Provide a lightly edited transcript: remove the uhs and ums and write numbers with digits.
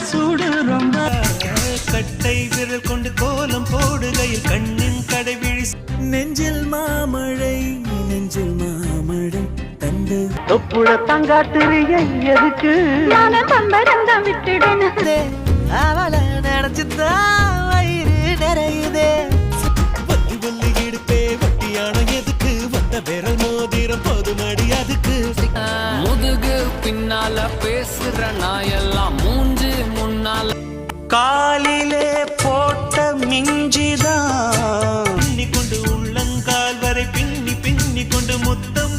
சூடு ரொம்ப கட்டை விரல் கொண்டு கோலம் போடுகையில் கண்ணின் கடைவிழி நெஞ்சில் மாமழை நெஞ்சில் மாமழை தந்து தொப்புள தங்காத்திரிய எதுக்கு நானும் பம்பரந்தம் விட்டுடனே அவளை நினைச்சுதான் வயிறு நிறையுதே வள்ளி வள்ளி இடுப்பே வட்டியான எதுக்கு வந்த விரல் மோதிரம் போதுமடி அதுக்கு முதுகு பின்னால பேசுற நாயெல்லாம் மூஞ்சு முன்னால காலிலே போட்ட மிஞ்சிதான் பின்னி கொண்டு உள்ளங்கால் வரை பின்னி பின்னி கொண்டு முத்தம்